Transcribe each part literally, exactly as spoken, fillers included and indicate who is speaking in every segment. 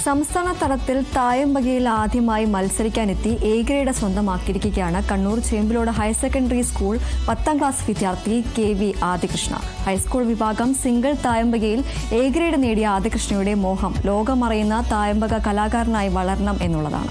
Speaker 1: സംസ്ഥാന തലത്തിൽ തായമ്പകയിൽ ആദ്യമായി മത്സരിക്കാനെത്തി എ ഗ്രേഡ് സ്വന്തമാക്കിയിരിക്കുകയാണ് Kannur Chembilode higher secondary school പത്താം ക്ലാസ് വിദ്യാർത്ഥി കെ വി ആദികൃഷ്ണ. ഹൈസ്കൂൾ വിഭാഗം സിംഗിൾ തായമ്പകയിൽ എ ഗ്രേഡ് നേടിയ ആദികൃഷ്ണയുടെ മോഹം ലോകമറിയുന്ന തായമ്പക കലാകാരനായി വളരണം എന്നുള്ളതാണ്.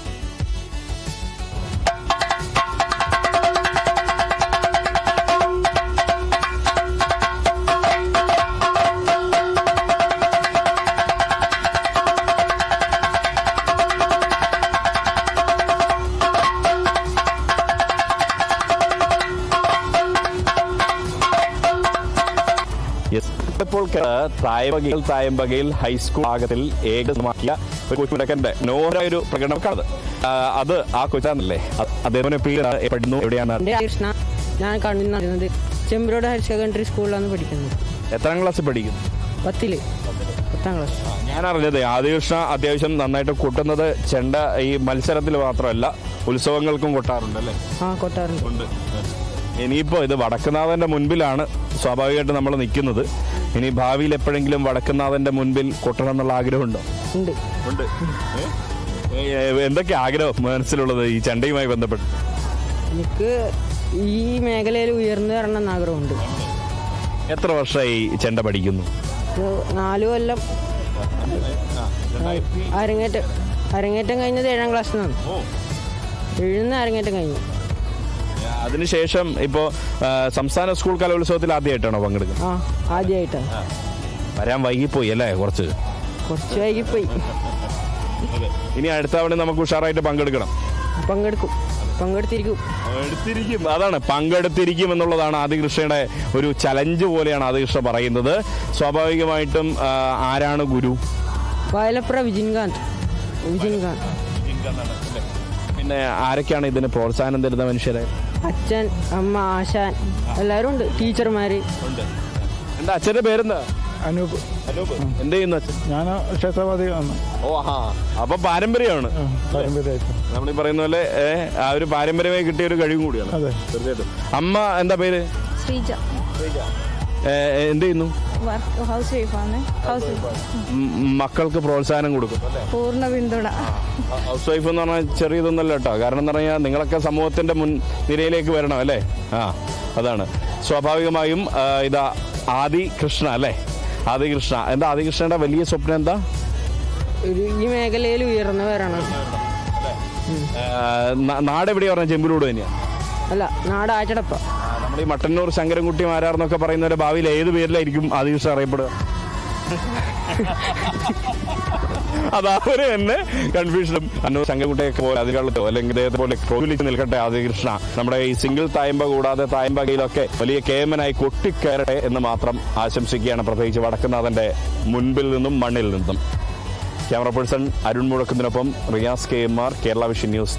Speaker 2: ഇപ്പോൾ തായമ്പകയിൽ തായമ്പകയിൽ ഹൈസ്കൂൾ ഭാഗത്തിൽ ഏകമാക്കിയ ഒരു കൊച്ചുടക്കന്റെ നോര ഒരു പ്രകടനക്കാണത്. അത് ആ കൊച്ചാണല്ലേ? അദ്ദേഹം പഠിക്കുന്നു എവിടെയാണ്?
Speaker 3: കൃഷ്ണ, ഞാൻ കണ്ടുന്നത് ചെമ്പിലോട് ഹയർ സെക്കൻഡറി സ്കൂളിലാണ് പഠിക്കുന്നത്.
Speaker 2: എത്രാം ക്ലാസ്സിൽ പഠിക്കുന്നു?
Speaker 3: പത്തില് പത്താം ക്ലാസ്.
Speaker 2: ഞാൻ അറിഞ്ഞത് ആദികൃഷ്ണ അത്യാവശ്യം നന്നായിട്ട് കൊട്ടുന്നത് ചെണ്ട ഈ മത്സരത്തിൽ മാത്രമല്ല ഉത്സവങ്ങൾക്കും കൊട്ടാറുണ്ട് അല്ലേ?
Speaker 3: ആ, കൊട്ടാറുണ്ട്.
Speaker 2: ഇനിയിപ്പോൾ ഇത് വടക്കുന്നാഥന്റെ മുൻപിലാണ് സ്വാഭാവികമായിട്ട് നമ്മൾ നിൽക്കുന്നത്. ഇനി ഭാവിയിൽ എപ്പോഴെങ്കിലും വടക്കുന്നാഥന്റെ മുൻപിൽ കൊട്ടണം എന്നുള്ള ആഗ്രഹമുണ്ടോ?
Speaker 3: ഉണ്ട്.
Speaker 2: ഉണ്ട്. എന്തൊക്കെ ആഗ്രഹം മനസ്സിലുള്ളത് ഈ ചെണ്ടയുമായി ബന്ധപ്പെട്ട്?
Speaker 3: എനിക്ക് ഈ മേഖലയിൽ ഉയർന്നു വരണം എന്ന് ആഗ്രഹമുണ്ട്.
Speaker 2: എത്ര വർഷമായി ചെണ്ട പഠിക്കുന്നു?
Speaker 3: നാലു കൊല്ലം. അരങ്ങേറ്റം അരങ്ങേറ്റം കഴിഞ്ഞത് ഏഴാം ക്ലാസ്സിൽ നിന്നാണ്. എഴുന്ന അരങ്ങേറ്റം കഴിഞ്ഞു.
Speaker 2: അതിനുശേഷം ഇപ്പോ സംസ്ഥാന സ്കൂൾ കലോത്സവത്തിൽ ആദ്യമായിട്ടാണോ പങ്കെടുക്കുന്നത്?
Speaker 3: ആ, ആദ്യമായിട്ടാണ്.
Speaker 2: വരാൻ വൈകിപ്പോയി അല്ലേ? കുറച്ച്
Speaker 3: കുറച്ച് വൈകിപ്പോയി.
Speaker 2: ഇനി അടുത്ത തവണ നമുക്ക് ഉഷാറായിട്ട് പങ്കെടുക്കണം.
Speaker 3: പങ്കെടുക്കും പങ്കെടുത്തിരിക്കും
Speaker 2: എടുത്തിരിക്കും അതാണ് പങ്കെടുത്തിരിക്കും എന്നുള്ളതാണ് ആദികൃഷ്ണയുടെ ഒരു ചലഞ്ച് പോലെയാണ് ആദികൃഷ്ണ പറയുന്നത്. സ്വാഭാവികമായിട്ടും ആരാണ് ഗുരു?
Speaker 3: വയലപ്ര വിജിൻകാന്ത്. വിജിൻകാന്ത്.
Speaker 2: പിന്നെ ആരൊക്കെയാണ് ഇതിന് പ്രോത്സാഹനം തരുന്ന മനുഷ്യരെ?
Speaker 3: അച്ഛൻ, അമ്മ, ആശാൻ എല്ലാവരും ഉണ്ട്. ടീച്ചർമാര്.
Speaker 2: എന്താ അച്ഛന്റെ പേരെന്താ?
Speaker 4: അനൂപ്.
Speaker 2: അനൂപ്. എന്ത് ചെയ്യുന്നു അച്ഛൻ?
Speaker 4: ഞാൻ ക്ഷേത്രവാദിയാണ്.
Speaker 2: ഓ ഹാ, അപ്പൊ പാരമ്പര്യമാണ്.
Speaker 4: പാരമ്പര്യമായിട്ട്
Speaker 2: നമ്മൾ ഈ പറയുന്ന പോലെ ആ ഒരു പാരമ്പര്യമായി കിട്ടിയ ഒരു കഴിവും കൂടിയാണ്.
Speaker 4: അതെ,
Speaker 2: തീർച്ചയായിട്ടും. അമ്മ എന്താ പേര്?
Speaker 5: ശ്രീജ.
Speaker 2: എന്ത് ചെയ്യുന്നു?
Speaker 5: ഹൗസ് വൈഫാണ്. ഹൗസ്
Speaker 2: മക്കൾക്ക് പ്രോത്സാഹനം കൊടുക്കും?
Speaker 5: പൂർണ്ണ പിന്തുണ.
Speaker 2: ഹൗസ് വൈഫ് എന്ന് പറഞ്ഞാൽ ചെറിയതൊന്നല്ല കേട്ടോ. കാരണം എന്ന് പറഞ്ഞാൽ നിങ്ങളൊക്കെ സമൂഹത്തിന്റെ മുൻ നിരയിലേക്ക് വരണം അല്ലേ? ആ, അതാണ് സ്വാഭാവികമായും. ഇതാ ആദികൃഷ്ണ അല്ലേ? ആദികൃഷ്ണ എന്താ ആദികൃഷ്ണയുടെ വലിയ സ്വപ്നം എന്താ?
Speaker 3: ഒരു ഈ മേഖലയിൽ ഉയർന്നു വരണം.
Speaker 2: നാട് എവിടെയാ പറഞ്ഞ? ചെമ്പിലോട് തന്നെയാ?
Speaker 3: അല്ല, നാട് ആറ്റടപ്പ.
Speaker 2: നമ്മുടെ ഈ മട്ടന്നൂർ ശങ്കരൻകുട്ടി മാരാർന്നൊക്കെ പറയുന്നവരെ ഭാവിയിൽ ഏത് പേരിലായിരിക്കും ആദികൃഷ്ണ അറിയപ്പെടുക? അതവര് തന്നെ കൺഫ്യൂഷനും അന്നൂർ ശങ്കരൻകുട്ടിയൊക്കെ പോലെ അതികളോ അല്ലെങ്കിൽ ഇദ്ദേഹത്തെ പോലെ പ്രോത്സാഹിച്ച് നിൽക്കട്ടെ ആദികൃഷ്ണ. നമ്മുടെ ഈ സിംഗിൾ തായമ്പ കൂടാതെ തായമ്പകയിലൊക്കെ വലിയ കേമനായി കൊട്ടിക്കയറട്ടെ എന്ന് മാത്രം ആശംസിക്കുകയാണ്, പ്രത്യേകിച്ച് വടക്കുന്നാഥന്റെ മുൻപിൽ നിന്നും മണ്ണിൽ നിന്നും. ക്യാമറ പേഴ്സൺ അരുൺ മുഴക്കുന്നതിനൊപ്പം Riyas K M R, Kerala vision news.